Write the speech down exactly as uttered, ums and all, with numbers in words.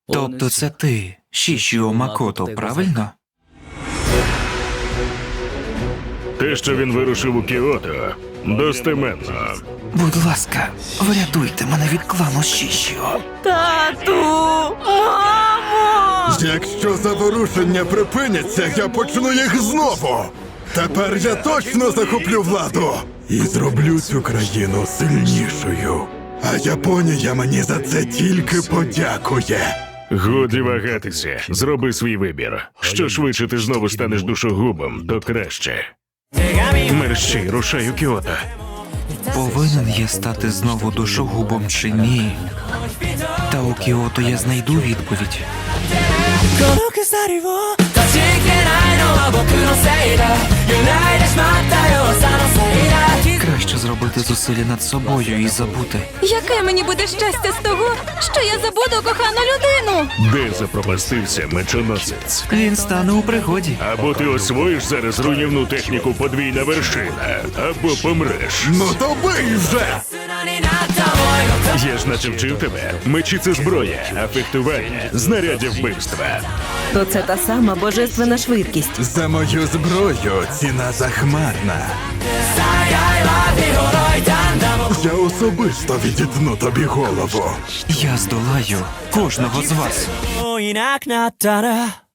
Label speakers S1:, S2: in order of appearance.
S1: Тобто це ти, Шішіо Макото, правильно?
S2: Те, що він вирушив у Кіото, достеменно.
S1: Будь ласка, врятуйте мене від клану Шішіо.
S3: Тату! Мамо!
S4: Якщо заворушення припиняться, я почну їх знову. Тепер я точно захоплю владу і зроблю цю країну сильнішою. А Японія мені за це тільки подякує.
S2: Годі вагатися, зроби свій вибір. Що швидше ти знову станеш душогубом, то краще. Мерщій, рушай у Кіото.
S1: Повинен я стати знову душогубом чи ні? Та у Кіото я знайду відповідь. Краще зробити зусилля над собою і забути.
S3: Яке мені буде щастя з того, що я забуду кохану людину?
S2: Де запропастився мечоносець?
S1: Він стане у пригоді.
S2: Або ти освоїш зараз руйнівну техніку подвійна вершина, або помреш.
S4: Ну то бий вже!
S2: Я ж наче вчив тебе. Мечі – це зброя, а фехтування – знаряддя вбивства.
S3: То це та сама божественна швидкість.
S4: За мою зброю ціна захмарна. Я особисто відітну тобі голову.
S1: Я здолаю кожного з вас.
S5: もういなくなったら